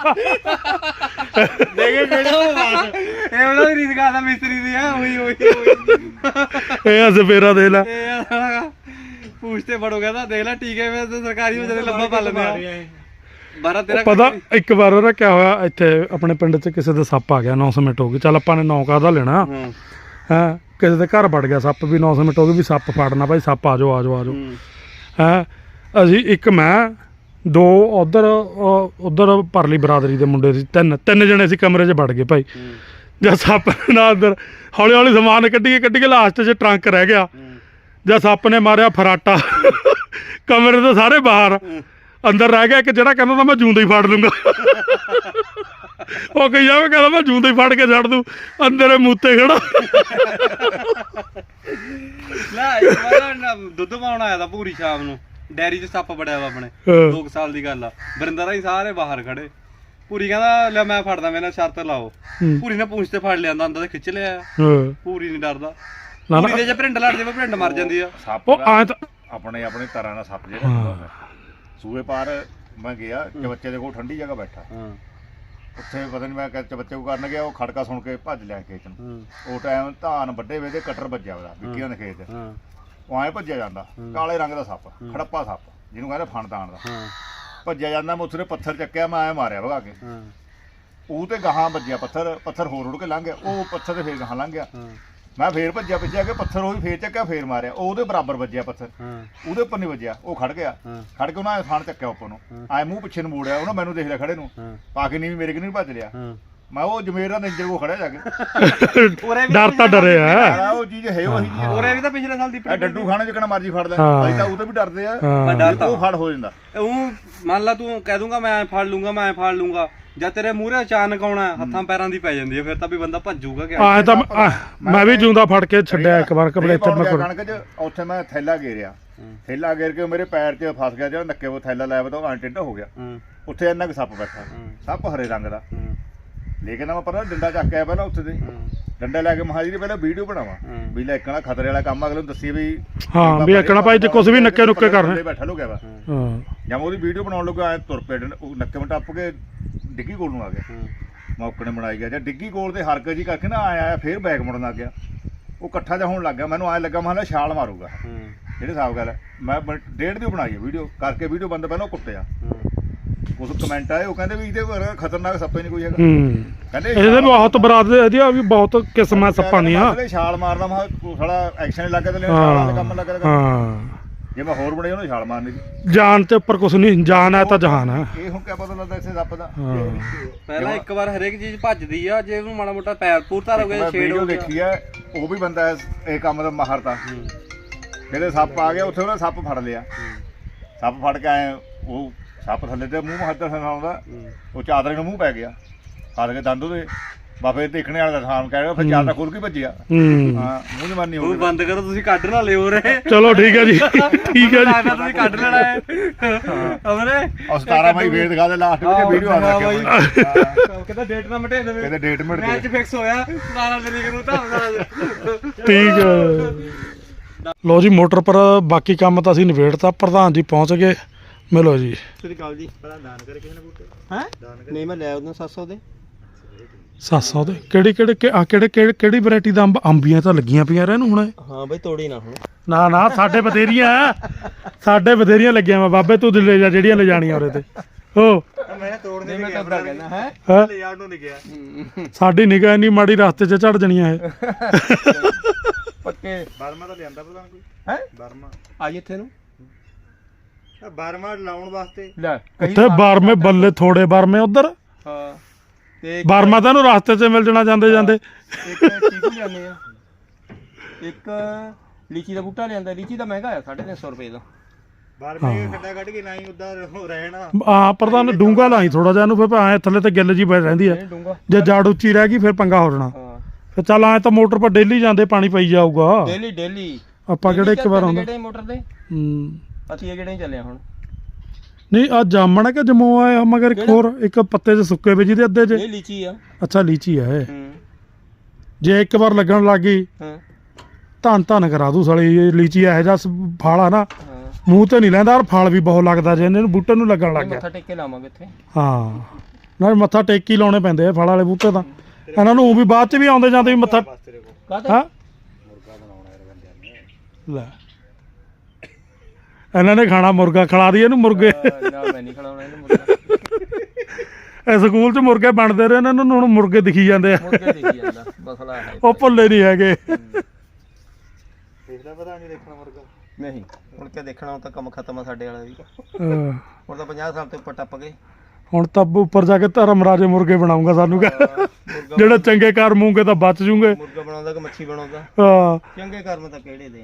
ਦੇਖੇ ਕਿਹੜਾ ਉਹ ਬਾਤ ਇਹ ਉਹਨਾਂ ਦੀ ਰੀਤ ਕਰਦਾ ਮਿਸਤਰੀ ਦੀ ਹੈ ਉਹੀ ਇਹ ਆ ਸਪੇਰਾ ਦੇ ਲੈ ਇਹ ਪੂੰਛਤੇ ਫੜੋ ਕਹਿੰਦਾ ਦੇਖ ਲੈ ਟੀਕੇ ਵਿੱਚ ਤੇ ਸਰਕਾਰੀ ਵਿੱਚ ਤੇ ਲੰਬਾ ਪਾ ਲੈਂਦੇ ਆ 12-13 ਪਤਾ ਇੱਕ ਵਾਰ ਉਹਦਾ ਕਿਆ ਹੋਇਆ ਇੱਥੇ ਆਪਣੇ ਪਿੰਡ 'ਚ ਕਿਸੇ ਦੇ ਸੱਪ ਆ ਗਿਆ ਅਨਾਉਂਸਮੈਂਟ ਹੋ ਗਈ ਚੱਲ ਆਪਾਂ ਨੇ 9 ਕਾਹਦਾ ਲੈਣਾ ਹਾਂ ਕਿਸੇ ਦੇ ਘਰ ਵੜ ਗਿਆ ਸੱਪ ਵੀ ਅਨਾਉਂਸਮੈਂਟ ਹੋ ਗਈ ਵੀ ਸੱਪ ਫੜਨਾ ਭਾਈ ਸੱਪ ਆ ਜਾਓ ਹੈਂ ਅਸੀਂ ਇੱਕ ਮੈਂ 2 ਉਧਰ ਪਰਲੀ ਬਰਾਦਰੀ ਦੇ ਮੁੰਡੇ ਸੀ ਤਿੰਨ ਜਣੇ ਸੀ ਕਮਰੇ 'ਚ ਵੜ ਗਏ ਭਾਈ ਜਦ ਸੱਪ ਨਾਲ ਅੰਦਰ ਹੌਲੀ ਸਮਾਨ ਕੱਢੀ ਕੇ ਲਾਸਟ 'ਚ ਟਰੰਕ ਰਹਿ ਗਿਆ ਜਦ ਸੱਪ ਨੇ ਮਾਰਿਆ ਫਰਾਟਾ ਕਮਰੇ ਤੋਂ ਸਾਰੇ ਬਾਹਰ ਅੰਦਰ ਰਹਿ ਗਿਆ ਇੱਕ ਜਿਹੜਾ ਕਹਿੰਦਾ ਤਾਂ ਮੈਂ ਜੂੰਦਾ ਹੀ ਫੜ ਲੂੰਗਾ ਉਹ ਕਹੀ ਜਾਵੇ ਕਹਿੰਦਾ ਮੈਂ ਜੂੰਦਾ ਹੀ ਫੜ ਕੇ ਛੱਡ ਦੂੰ ਅੰਦਰ ਮੂਤੇ ਖੜਾ ਲੈ ਇੱਕ ਵਾਰ ਨਾ ਦੁੱਧ ਪਾਉਣ ਆਇਆ ਤਾਂ ਪੂਰੀ ਸ਼ਾਮ ਨੂੰ ਡੈਰੀ 'ਚ ਸੱਪ ਬੜਿਆ ਵਾ ਆਪਣੇ 2 ਸਾਲ ਦੀ ਗੱਲ ਆ ਵਰਿੰਦਰ ਹੀ ਸਾਰੇ ਬਾਹਰ ਖੜੇ ਪੂਰੀ ਕਹਿੰਦਾ ਲੈ ਮੈਂ ਫੜਦਾ ਮੇਰੇ ਨਾਲ ਸ਼ਰਤ ਲਾਓ ਪੂਰੀ ਨੇ ਪੂੰਛ ਤੇ ਫੜ ਲਿਆਂਦਾ ਅੰਦਰ ਤੇ ਖਿੱਚ ਲਿਆ ਪੂਰੀ ਨਹੀਂ ਡਰਦਾ ਪੂਰੀ ਦੇ ਜੇ ਭਿੰਡ ਲੜ ਜਾਵੇ ਭਿੰਡ ਮਰ ਜਾਂਦੀ ਆ ਸੱਪ ਉਹ ਆ ਤਾਂ ਆਪਣੇ ਤਰ੍ਹਾਂ ਦਾ ਸੱਪ ਜਿਹੜਾ ਹੁੰਦਾ ਸੂਏ ਪਾਰ ਮੈਂ ਗਿਆ ਬੱਚੇ ਦੇ ਕੋਲ ਠੰਡੀ ਜਗ੍ਹਾ ਬੈਠਾ ਉੱਥੇ ਪਤਾ ਨਹੀਂ ਮੈਂ ਬੱਚੇ ਕੋ ਕਰਨ ਗਿਆ ਉਹ ਖੜਕਾ ਸੁਣ ਕੇ ਭੱਜ ਲਿਆ ਖੇਤ ਨੂੰ ਉਹ ਟਾਈਮ ਧਾਨ ਵੱਡੇ ਵੇ ਦੇ ਕਟਰ ਵੱਜਿਆ ਉਹਦਾ ਵਿੱਕੀਆਂ ਦੇ ਖੇਤ ਉਹ ਐਂ ਭੱਜਿਆ ਜਾਂਦਾ ਕਾਲੇ ਰੰਗ ਦਾ ਸੱਪ ਖੜੱਪਾ ਸੱਪ ਜਿਹਨੂੰ ਕਹਿੰਦੇ ਫਣਦਾਨ ਦਾ ਭੱਜਿਆ ਜਾਂਦਾ ਮੈਂ ਉੱਥੇ ਪੱਥਰ ਚੱਕਿਆ ਮੈਂ ਐਂ ਮਾਰਿਆ ਭਗਾ ਕੇ ਉਹ ਤੇ ਗਾਹਾਂ ਵੱਜਿਆ ਪੱਥਰ ਹੋਰ ਉੜ ਕੇ ਲੰਘ ਗਿਆ ਉਹ ਪੱਥਰ ਤੇ ਫੇਰ ਗਾਹਾਂ ਲੰਘ ਗਿਆ ਮੈਂ ਫੇਰ ਭੱਜਿਆ ਪਿੱਛੇ ਕੇ ਪੱਥਰ ਉਹੀ ਫੇਰ ਚੱਕਿਆ ਫੇਰ ਮਾਰਿਆ ਉਹਦੇ ਬਰਾਬਰ ਵੱਜਿਆ ਪੱਥਰ ਉਹਦੇ ਉੱਪਰ ਨਹੀਂ ਵੱਜਿਆ ਉਹ ਖੜ ਗਿਆ ਖੜ ਕੇ ਉਹਨਾਂ ਥਾਣ ਚੱਕਿਆ ਉੱਪਰ ਨੂੰ ਐ ਮੂੰਹ ਪਿੱਛੇ ਨੂੰ ਮੋੜਿਆ ਉਹਨਾਂ ਮੈਨੂੰ ਦੇਖ ਲਿਆ ਖੜੇ ਨੂੰ ਪਾ ਕੇ ਨਹੀਂ ਮੇਰੇ ਕਿ ਨਹੀਂ ਭੱਜ ਲਿਆ ਮੈਂ ਉਹ ਜਮੇਰ ਦਾ ਨਿੰਜਰ ਕੋ ਖੜਿਆ ਜਾ ਕੇ ਡਰ ਤਾਂ ਡਰਿਆ ਉਹ ਚੀਜ਼ ਹੈ ਉਹੀ ਚੀਜ਼ ਉਹਰੇ ਵੀ ਤਾਂ ਪਿਛਲੇ ਸਾਲ ਦੀ ਡੱਡੂ ਖਾਣੇ ਚ ਕਿਹੜਾ ਮਰਜੀ ਫੜ ਲੈ ਅਸੀਂ ਤਾਂ ਉਹ ਤੇ ਵੀ ਡਰਦੇ ਆ ਉਹ ਫੜ ਹੋ ਜਾਂਦਾ ਉਹ ਮੰਨ ਲਾ ਤੂੰ ਕਹਿ ਦੂੰਗਾ ਮੈਂ ਫੜ ਲੂੰਗਾ ਜਦ ਤੇਰੇ ਮੂਹਰੇ ਅਚਾਨਕ ਆਉਣਾ ਹੱਥਾਂ ਪੈਰਾਂ ਦੀ ਪੈ ਜਾਂਦੀ ਹੈ ਫਿਰ ਤਾਂ ਵੀ ਬੰਦਾ ਭੱਜੂਗਾ ਕਿ ਆਏ ਤਾਂ ਮੈਂ ਵੀ ਜੂੰਦਾ ਫੜ ਕੇ ਛੱਡਿਆ ਇੱਕ ਵਾਰ ਕਬਲੇ ਇੱਥੇ ਮੈਂ ਕਣਕ ਚ ਉੱਥੇ ਮੈਂ ਥੈਲਾ ਗੇਰਿਆ ਥੈਲਾ ਗੇਰ ਕੇ ਮੇਰੇ ਪੈਰ 'ਚ ਫਸ ਗਿਆ ਜਿਹੜਾ ਨੱਕੇ ਉਹ ਥੈਲਾ ਲਾਇਆ ਤਾਂ ਉਹ ਟਿੱਡਾ ਹੋ ਗਿਆ ਉੱਥੇ ਇੰਨਾ ਕੁ ਸੱਪ ਬੈਠਾ ਸੱਪ ਹਰੇ ਰੰਗ ਦਾ ਲੇਕਿਨ ਮੈਂ ਪਤਾ ਡੰਡਾ ਚੱਕ ਕੇ ਆਇਆ ਪਹਿਲਾਂ ਉੱਥੇ ਤੇ ਡੰਡਾ ਲੈ ਕੇ ਮਹਾਜੀ ਦੀ ਪਹਿਲਾਂ ਵੀਡੀਓ ਬਣਾਵਾਂ ਵੀ ਲੈ ਇੱਕਣਾ ਖਤਰੇ ਵਾਲਾ ਕੰਮ ਅਗਲੇ ਨੂੰ ਦੱਸੀ ਵੀ ਹਾਂ ਵੀ ਇੱਕਣਾ ਭਾਈ ਜੇ ਕੁਝ ਵੀ ਨੱਕੇ ਨੁੱਕੇ ਕਰਨੇ ਬੈਠਾ ਲੋ ਗਿਆ ਵਾ ਹਾਂ ਜਾਂ ਉਹਦੀ ਵੀਡੀਓ ਬਣਾਉਣ ਲੱਗਾ ਐ ਤੁਰ ਪਏ ਉਹ ਨੱਕੇ ਮੈਂ ਟੱਪ ਕੇ ਡਿੱਗੀ ਕੋਲ ਨੂੰ ਆ ਗਿਆ ਮੌਕੇ ਨੇ ਬਣਾਈ ਗਿਆ ਜਾਂ ਡਿੱਗੀ ਕੋਲ ਤੇ ਹਰਕਤ ਜੀ ਕਰਕੇ ਨਾ ਆਇਆ ਫੇਰ ਬੈਕ ਮੁੜਨ ਲੱਗ ਗਿਆ ਉਹ ਇਕੱਠਾ ਜਿਹਾ ਹੋਣ ਲੱਗ ਗਿਆ ਮੈਨੂੰ ਐ ਲੱਗਾ ਮੈਂ ਛਾਲ ਮਾਰੂਗਾ ਜਿਹੜੇ ਹਿਸਾਬ ਗੱਲ ਮੈਂ 1.5 ਦੀ ਬਣਾਈ ਵੀਡੀਓ ਕਰਕੇ ਵੀਡੀਓ ਬੰਦ ਪਹਿਲਾਂ ਕੁੱਟਿਆ ਉਸ ਕਮੈਂਟ ਆਏ ਉਹ ਕਹਿੰਦੇ ਵੀ ਇਹਦੇ ਵਰ ਖਤਰਨਾਕ ਸੱਪ ਹੀ ਨਹੀਂ ਕੋਈ ਹੈਗਾ ਕਹਿੰਦੇ ਇਹਦੇ ਬਹੁਤ ਬਰਾਦ ਇਹਦੀਆਂ ਵੀ ਬਹੁਤ ਕਿਸਮਾਂ ਸੱਪਾਂ ਦੀਆਂ ਛਾਲ ਮਾਰਦਾ ਮੈਂ ਸਾਲਾ ਐਕਸ਼ਨ ਲੱਗਾ ਤੇ ਛਾਲਾਂ ਦੇ ਕੰਮ ਲੱਗਾ ਹਾਂ ਜੇ ਮੈਂ ਹੋਰ ਬਣਾਈ ਉਹਨੂੰ ਛਾਲ ਮਾਰਨੀ ਸੀ ਜਾਨ ਤੇ ਉੱਪਰ ਕੁਛ ਨਹੀਂ ਜਾਨ ਹੈ ਤਾਂ ਜਹਾਨ ਹੈ ਇਹ ਹੁਣ ਕਿਆ ਪਤਾ ਲੱਗਦਾ ਇਸੇ ਸੱਪ ਦਾ ਪਹਿਲਾਂ ਇੱਕ ਵਾਰ ਹਰੇਕ ਚੀਜ਼ ਭੱਜਦੀ ਆ ਜੇ ਉਹਨੂੰ ਮਾੜਾ ਮੋਟਾ ਪੈਰ ਪੂਰ ਧਾਰ ਹੋ ਗਿਆ ਛੇੜ ਹੋ ਗਿਆ ਦੇਖੀ ਆ ਉਹ ਵੀ ਬੰਦਾ ਇਹ ਕੰਮ ਦਾ ਮਾਹਰ ਤਾਂ ਜਿਹੜੇ ਸੱਪ ਆ ਗਿਆ ਉੱਥੇ ਉਹਨੇ ਸੱਪ ਫੜ ਲਿਆ ਸੱਪ ਫੜ ਕੇ ਆਏ ਉਹ ਸੱਪ ਥੱਲੇ ਤੇ ਮੂੰਹ ਹੱਥ ਆਉਂਦਾ ਉਹ ਚਾਦਰੇ ਨੂੰ ਮੂੰਹ ਪੈ ਗਿਆ ਫੜ ਕੇ ਦੰਦ ਉਹਦੇ ਬਾਬੇ ਦੇਖਣੇ ਵਾਲਾ ਦਾ ਥਾਂ ਕਹਿ ਰਿਹਾ ਫਿਰ ਚਾਦਰਾ ਖੁੱਲ ਕੇ ਭੱਜਿਆ ਹਾਂ ਮੂੰਹ ਜਮਾਨੀ ਹੋ ਗਈ ਬੰਦ ਕਰੋ ਤੁਸੀਂ ਕੱਢ ਨਾ ਲਿਓ ਰੇ ਚਲੋ ਠੀਕ ਹੈ ਜੀ ਠੀਕ ਹੈ ਜੀ ਤੁਸੀਂ ਕੱਢ ਲੈਣਾ ਹੈ ਅਮਰੇ ਉਹ 17 ਮਈ ਫੇਰ ਦਿਖਾ ਦੇ ਲਾਸਟ ਵਿੱਚ ਵੀਡੀਓ ਆ ਗਈ ਕਹਿੰਦਾ ਡੇਟ ਨਾ ਮਟੇ ਦੇਵੇ ਕਹਿੰਦਾ ਡੇਟ ਮਿਟ ਮੈਚ ਫਿਕਸ ਹੋਇਆ 17 ਤਰੀਕ ਨੂੰ ਤਾਂ ਠੀਕ ਹੈ ਲੋ ਜੀ ਮੋਟਰ ਪਰ ਬਾਕੀ ਕੰਮ ਤਾਂ ਅਸੀਂ ਨਿਬੇੜਤਾ ਪ੍ਰਧਾਨ ਜੀ ਪਹੁੰਚ ਗਏ ਮਿਲੋ ਜੀ। ਸ੍ਰੀ ਅਕਾਲ ਜੀ। ਪਹਿਲਾਂ ਦਾਨ ਕਰੇ ਕਿਸੇ ਨੇ ਬੂਟੇ ਹੈ ਦਾਨ ਕਰੇ ਨਹੀਂ ਮੈਂ ਲੈ ਉਹਨੂੰ 700 ਦੇ 700 ਦੇ ਕਿਹੜੀ ਵੈਰਾਈਟੀ ਦਾ ਅੰਬੀਆਂ ਤਾਂ ਲੱਗੀਆਂ ਪਈਆਂ ਰਹਿ ਨੂੰ ਹੁਣ। ਹਾਂ ਬਈ ਤੋੜੀ ਨਾ ਹੁਣ। ਨਾ ਸਾਡੇ ਬਥੇਰੀਆਂ ਲੱਗੀਆਂ ਵਾ ਬਾਬੇ, ਤੂੰ ਲੈ ਜਾ ਜਿਹੜੀਆਂ ਲੈ ਜਾਣੀਆਂ ਉਹਦੇ ਤੇ। ਹੋ ਮੈਂ ਤੋੜਨੇ ਮੈਂ ਤਾਂ ਕਹਿੰਦਾ ਹੈ ਲੈ ਜਾਣ ਨੂੰ ਨਹੀਂ ਗਿਆ। ਸਾਡੀ ਨਿਗਾਹ ਇੰਨੀ ਮਾੜੀ, ਰਸਤੇ 'ਚ ਝੜ ਜਣੀਆਂ ਇਹ। ਪੱਕੇ ਬਰਮਾ ਤਾਂ ਲਿਆਂਦਾ ਪਤਾ ਕੋਈ ਹੈ ਬਰਮਾ ਆਜ ਇੱਥੇ ਨੂੰ ਬਰਮਾ ਲਾਉਣ ਵਾਸਤੇ ਲੈ ਉੱਥੇ ਬਰਮੇ ਬੱਲੇ ਥੋੜੇ ਬਰਮੇ ਉਧਰ। ਹਾਂ ਤੇ ਬਰਮਾ ਤਾਂ ਇਹਨੂੰ ਰਸਤੇ 'ਚ ਮਿਲ ਜਾਣਾ ਜਾਂਦੇ ਇੱਕ ਚੀਕੂ ਲਿਆਉਂਦੇ ਆ, ਇੱਕ ਲੀਚੀ ਦਾ ਬੂਟਾ ਲਿਆਂਦਾ। ਲੀਚੀ ਦਾ ਮਹਿੰਗਾ ਆ 350 ਰੁਪਏ ਦਾ। ਬਰਮੇ ਖੱਡਾ ਕੱਢ ਕੇ ਨਹੀਂ ਉਦਾਂ ਰਹਿਣਾ। ਹਾਂ ਪ੍ਰਧਾਨ ਡੂੰਗਾ ਲਾਈ ਥੋੜਾ ਜਿਹਾ ਇਹਨੂੰ, ਫਿਰ ਐ ਥੱਲੇ ਤੇ ਗਿੱਲ ਜੀ ਪੈ ਰਹਿੰਦੀ ਆ। ਨਹੀਂ ਡੂੰਗਾ ਜੇ ਜੜ ਉੱਚੀ ਰਹਿ ਗਈ ਫਿਰ ਪੰਗਾ ਹੋ ਜਾਣਾ। ਹਾਂ ਫਿਰ ਚੱਲ ਐ ਤਾਂ ਮੋਟਰ ਪਰ ਡੇਲੀ ਜਾਂਦੇ ਪਾਣੀ ਪਈ ਜਾਊਗਾ। ਡੇਲੀ ਆਪਾਂ ਕਿਹੜੇ ਇੱਕ ਵਾਰ ਆਉਂਦਾ। ਕਿਹੜੇ ਮੋਟਰ ਤੇ ਅਸੀਂ ਇਹ ਕਿਹੜੇ ਚੱਲੇ ਹੁਣ। ਨਹੀਂ ਆ ਜਾਮਣ ਹੈ ਕਿ ਜਮੋ ਆ ਮਗਰ ਇੱਕ ਹੋਰ ਇੱਕ ਪੱਤੇ 'ਚ ਸੁੱਕੇ ਵੇ ਜਿਹਦੇ ਅੱਧੇ 'ਚ। ਇਹ ਲੀਚੀ ਆ। ਅੱਛਾ ਲੀਚੀ ਆ ਇਹ। ਹੂੰ ਜੇ ਇੱਕ ਵਾਰ ਲੱਗਣ ਲੱਗ ਗਈ ਹਾਂ ਧੰਨ ਕਰਾ ਦੂ ਸਾਲੀ। ਇਹ ਲੀਚੀ ਇਹੋ ਜਿਹਾ ਫਲ ਆ ਨਾ, ਹਾਂ ਮੂੰਹ ਤੇ ਨਹੀਂ ਲੈਂਦਾ, ਔਰ ਫਲ ਵੀ ਬਹੁਤ ਲੱਗਦਾ ਜੇ ਇਹਨਾਂ ਨੂੰ ਬੂਟੇ ਨੂੰ ਲੱਗਣ ਲੱਗ ਗਿਆ। ਮੱਥਾ ਟੇਕ ਕੇ ਲਾਵਾਂਗੇ ਇੱਥੇ। ਹਾਂ ਨਾਲ ਮੱਥਾ ਟੇਕ ਹੀ ਲਾਉਣੇ ਪੈਂਦੇ ਆ ਫਲ ਵਾਲੇ ਬੂਟੇ ਤਾਂ। ਇਹਨਾਂ ਨੂੰ ਵੀ ਬਾਅਦ 'ਚ ਵੀ ਆਉਂਦੇ ਜਾਂਦੇ ਵੀ ਮੱਥਾ। ਕਾਹਤੇ ਹਾਂ ਮੁਰਗਾ ਬਣਾਉਣਾ ਯਾਰ ਬੰਦਿਆਂ ਨੇ। ਲੈ ਇਹਨਾਂ ਨੇ ਖਾਣਾ ਮੁਰਗਾ, ਖਿਲਾ ਦਈਏ ਇਹਨੂੰ ਮੁਰਗੇ। ਨਾ ਮੈਂ ਨਹੀਂ ਖਿਲਾਉਣਾ ਇਹਨੂੰ ਮੁਰਗਾ। ਇਹ ਸਕੂਲ 'ਚ ਮੁਰਗੇ ਬਣਦੇ ਰਹੇ, ਇਹਨਾਂ ਨੂੰ ਹੁਣ ਮੁਰਗੇ ਦਿਖੀ ਜਾਂਦੇ ਆ। ਮੁਰਗੇ ਦਿਖੀ ਜਾਂਦਾ ਮਸਲਾ ਹੈ। ਉਹ ਭੁੱਲੇ ਨਹੀਂ ਹੈਗੇ। ਦੇਖਦਾ ਪਤਾ ਨਹੀਂ ਦੇਖਣਾ ਮੁਰਗਾ ਨਹੀਂ ਹੁਣ ਕਿਆ ਦੇਖਣਾ, ਹੁਣ ਤਾਂ ਕੰਮ ਖਤਮ ਆ ਸਾਡੇ ਵਾਲਾ ਵੀ। ਹਾਂ। ਹੁਣ ਤਾਂ 50 ਸਾਲ ਤੋਂ ਉੱਪਰ ਟੱਪ ਗਏ। ਹੁਣ ਤਾਂ ਉੱਪਰ ਜਾ ਕੇ ਧਰਮ ਰਾਜੇ ਮੁਰਗੇ ਬਣਾਉਂਗਾ ਸਾਨੂੰ ਮੁਰਗਾ ਜਿਹੜੇ ਚੰਗੇ ਕਰਮ ਹੋਣਗੇ ਤਾਂ ਬਚ ਜੂਗੇ। ਮੁਰਗਾ ਬਣਾਉਂਦਾ ਕਿ ਮੱਛੀ ਬਣਾਉਂਦਾ। ਹਾਂ ਚੰਗੇ ਕਰਮ ਤਾਂ ਕਿਹੜੇ ਦੇ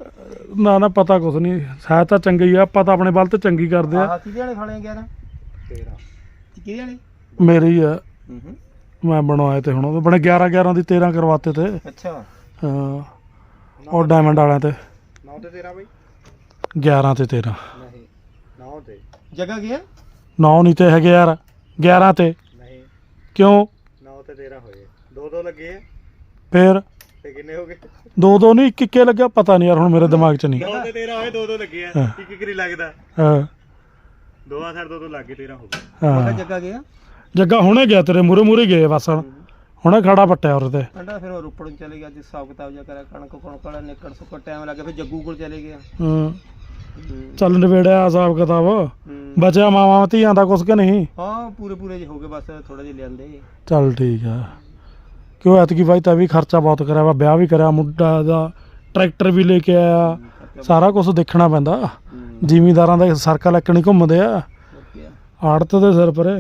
ਨਾ ਪਤਾ ਕੁਛ ਨਹੀਂ, ਸ਼ਾਇਦ ਤਾਂ ਚੰਗੇ ਹੀ ਆ, ਆਪਾਂ ਤਾਂ ਆਪਣੇ ਵੱਲ ਤੇ ਚੰਗੀ ਕਰਦੇ ਆ। ਆਹ ਕਿਹਦੇ ਵਾਲੇ ਖਾਣੇ 11 13 ਕਿਹਦੇ ਵਾਲੇ? ਮੇਰੇ ਹੀ ਆ, ਹੂੰ ਮੈਂ ਬਣਵਾਏ ਤੇ ਹੁਣ ਉਹ ਬਣੇ 11 ਦੀ 13 ਕਰਵਾਤੇ ਤੇ। ਅੱਛਾ ਹਾਂ ਉਹ ਡਾਇਮੰਡ ਵਾਲਿਆਂ ਤੇ 9 ਤੇ 13 ਬਈ 11 ਤੇ 13। ਨਹੀਂ 9 ਤੇ ਜਗ੍ਹਾ ਗਿਆ 9 ਨਹੀਂ ਤੇ ਹੈਗੇ ਯਾਰ 11 ਤੇ। ਨਹੀਂ ਕਿਉਂ 9 ਤੇ 13 ਹੋਏ, 2 ਲੱਗੇ ਆ ਫੇਰ ਤੇ ਕਿੰਨੇ ਹੋ ਗਏ? 2 ਨਹੀਂ ਇੱਕ ਲੱਗਿਆ, ਪਤਾ ਨਹੀਂ ਯਾਰ ਹੁਣ ਮੇਰੇ ਦਿਮਾਗ 'ਚ ਨਹੀਂ। 9 ਤੇ 13 ਹੋਏ, 2 ਲੱਗੇ ਆ। ਹਾਂ। ਇੱਕ ਨਹੀਂ ਲੱਗਦਾ, ਹਾਂ ਦੋਵਾਂ ਸਾਈਡ 2 ਲੱਗ ਗਏ, 13 ਹੋ ਗਏ। ਮੈਂ ਹਾਂ ਜੱਗਾ ਗਿਆ ਜੱਗਾ ਹੁਣੇ ਗਿਆ ਤੇਰੇ ਮੂਰੇ ਗਏ ਬਸ ਹੁਣੇ ਖੜਾ ਪੱਟਿਆ ਉਹਦੇ ਤੇ। ਅੰਡਾ ਫਿਰ ਉਹ ਰੋਪੜ ਨੂੰ ਚਲੇ ਗਿਆ, ਜਿਸ ਹਿਸਾਬ ਕਿਤਾਬ ਜਿਹਾ ਕਰਿਆ, ਕਣਕ ਵਾਲਾ ਨਿਕੜ ਸੁੱਕੜ ਟਾਈਮ ਲੱਗਾ, ਫਿਰ ਜੱਗੂ ਕੋਲ ਚਲੇ ਗਿਆ। ਹਾਂ ਚੱਲ ਨਵੇੜਿਆ ਹਿਸਾਬ ਕਿਤਾਬ, ਹੂੰ। ਬਚਿਆ ਮਾਵਾਂ ਧੀਆਂ ਦਾ ਕੁਛ ਕਿ ਨਹੀਂ। ਹਾਂ ਪੂਰੇ ਜਿਹੇ ਹੋ ਗਏ, ਬਸ ਥੋੜਾ ਜਿਹਾ ਲਿਆਂਦੇ। ਚੱਲ ਠੀਕ ਆ, ਕਿਉਂ ਐਤਕੀ ਬਾਈ ਤਾਂ ਵੀ ਖਰਚਾ ਬਹੁਤ ਕਰਿਆ ਵਾ, ਵਿਆਹ ਵੀ ਕਰਿਆ ਮੁੰਡਾ ਦਾ, ਟਰੈਕਟਰ ਵੀ ਲੈ ਕੇ ਆਇਆ, ਸਾਰਾ ਕੁਝ ਦੇਖਣਾ ਪੈਂਦਾ। ਜ਼ਿਮੀਂਦਾਰਾਂ ਦਾ ਸਰਕਲ ਇੱਕ ਨਹੀਂ ਘੁੰਮਦੇ ਆ, ਆੜਤ ਦੇ ਸਿਰ ਪਰੇ।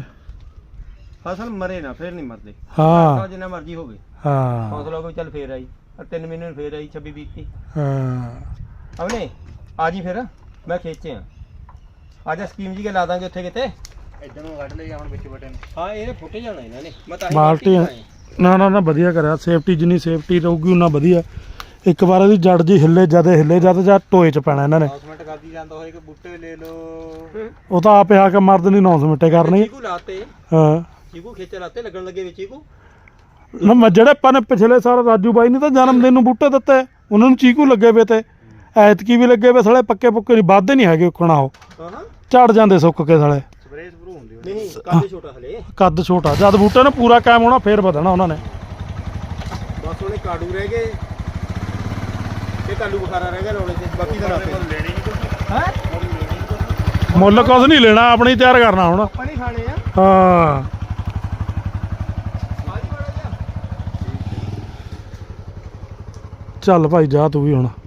ਫਸਲ ਮਰੇ ਨਾ ਫਿਰ ਨਹੀਂ ਮਰਦੇ। ਹਾਂ ਜਿੰਨਾ ਮਰਜ਼ੀ ਹੋਵੇ ਹਾਂ ਹੌਸਲਾ ਕੋਈ ਚੱਲ ਫੇਰ ਆਈ 3 ਮਹੀਨੇ ਨੂੰ ਫੇਰ ਆਈ 26-20 ਹਾਂ ਅਵਨੇ ਆ ਜੀ ਫਿਰ ਮੈਂ ਖੇਚੇ ਆ ਅੱਜ ਸਕੀਮ ਜੀ ਕੇ ਲਾ ਦਾਂਗੇ ਉੱਥੇ ਕਿਤੇ ਇੱਧਰ ਨੂੰ ਕੱਢ ਲਈ ਹੁਣ ਵਿੱਚ ਬਟਨ। ਹਾਂ ਇਹ ਫੁੱਟੇ ਜਾਣਾ ਇਹਨਾਂ ਨੇ। ਮੈਂ ਤਾਂ ਬਾਲਟੀ ਨਾ ਵਧੀਆ ਕਰਿਆ, ਸੇਫਟੀ ਜਿੰਨੀ ਸੇਫਟੀ ਰਹੂਗੀ ਉਨਾ ਵਧੀਆ। ਇੱਕ ਵਾਰ ਇਹਦੀ ਜੜ ਜੀ ਹਿੱਲੇ ਜਦ ਜਾਂ ਟੋਏ 'ਚ ਪੈਣਾ ਇਹਨਾਂ ਨੇ। ਅਨਾਉਂਸਮੈਂਟ ਕਰਦੀ ਜਾਂਦਾ ਹੋਏ ਕਿ ਬੂਟੇ ਲੈ ਲਓ, ਉਹ ਤਾਂ ਆਪੇ ਆ ਕੇ ਮਰਦ ਨਹੀਂ ਅਨਾਉਂਸਮੈਂਟ ਕਰਨੀ। ਚੀਕੂ ਲਾਤੇ, ਹਾਂ ਚੀਕੂ ਖੇਚੇ ਲਾਤੇ, ਲੱਗਣ ਲੱਗੇ ਵਿੱਚ ਚੀਕੂ। ਨਾ ਜਿਹੜੇ ਆਪਾਂ ਨੇ ਪਿਛਲੇ ਸਾਲ ਰਾਜੂ ਬਾਈ ਨੇ ਤਾਂ ਜਨਮ ਦਿਨ ਨੂੰ ਬੂਟੇ ਦਿੱਤੇ, ਉਹਨਾਂ ਨੂੰ ਚੀਕੂ ਲੱਗੇ ਵੇ ਤੇ ਐਤਕੀ ਵੀ ਲੱਗੇ ਵੇ ਸਾਲੇ, ਪੱਕੇ ਪੁੱਕੇ ਨਹੀਂ ਵੱਧਦੇ ਨਹੀਂ ਹੈਗੇ ਉਖਣਾ, ਉਹ ਹਾਂ ਝੜ ਜਾਂਦੇ ਸੁੱਕ ਕੇ ਸਾਲੇ। ਸਪਰੇਅ ਸਪਰੂ ਹੁੰਦੀ ਨਹੀਂ ਕਾਹਦੇ ਛੋਟਾ ਹਲੇ ਕੱਦ ਛੋਟਾ, ਜਦ ਬੂਟੇ ਨੇ ਪੂਰਾ ਕਾਇਮ ਹੋਣਾ ਫੇਰ ਵਧਣਾ ਉਹਨਾਂ ਨੇ। ਬਸ ਉਹਨੇ ਕਾੜੂ ਰਹਿ ਗਏ ਤੇ ਕਾਲੂ ਬੁਖਾਰਾ ਰਹਿ ਗਿਆ ਰੋਲੇ ਤੇ, ਬਾਕੀ ਤਾਂ ਲਾਤੇ। ਲੈਣੀ ਨਹੀਂ ਕੁਝ ਹੈ ਮੁੱਲ ਕੁਛ ਨਹੀਂ ਲੈਣਾ, ਆਪਣੀ ਤਿਆਰ ਕਰਨਾ ਹੁਣ। ਆਪਾਂ ਨਹੀਂ ਖਾਣੇ ਆ। ਹਾਂ ਚੱਲ ਭਾਈ ਜਾ ਤੂੰ ਵੀ ਹੁਣ।